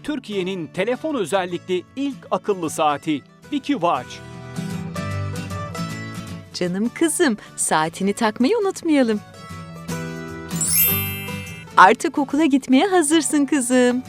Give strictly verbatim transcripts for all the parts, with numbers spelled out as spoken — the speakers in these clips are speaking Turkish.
Türkiye'nin telefon özellikli ilk akıllı saati Wiki Watch. Canım kızım, saatini takmayı unutmayalım. Artık okula gitmeye hazırsın kızım.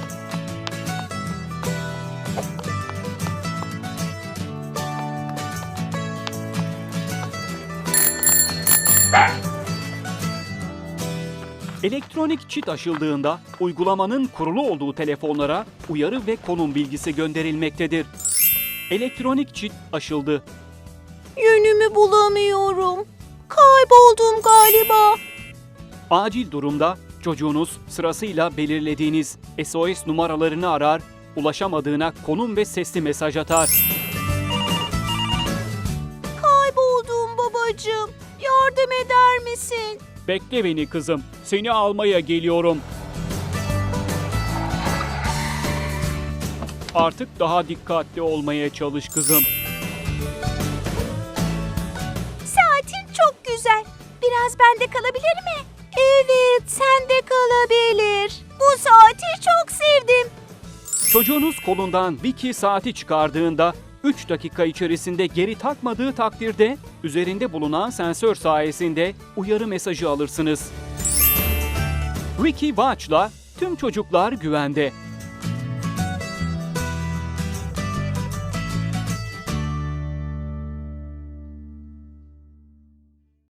Elektronik çit aşıldığında uygulamanın kurulu olduğu telefonlara uyarı ve konum bilgisi gönderilmektedir. Elektronik çit aşıldı. Yönümü bulamıyorum. Kayboldum galiba. Acil durumda çocuğunuz sırasıyla belirlediğiniz S O S numaralarını arar, ulaşamadığına konum ve sesli mesaj atar. Kayboldum babacığım. Yardım eder misin? Bekle beni kızım, seni almaya geliyorum. Artık daha dikkatli olmaya çalış kızım. Saatin çok güzel. Biraz bende kalabilir mi? Evet, sende kalabilir. Bu saati çok sevdim. Çocuğunuz kolundan Wiki saati çıkardığında üç dakika içerisinde geri takmadığı takdirde üzerinde bulunan sensör sayesinde uyarı mesajı alırsınız. Wiki Watch'la tüm çocuklar güvende.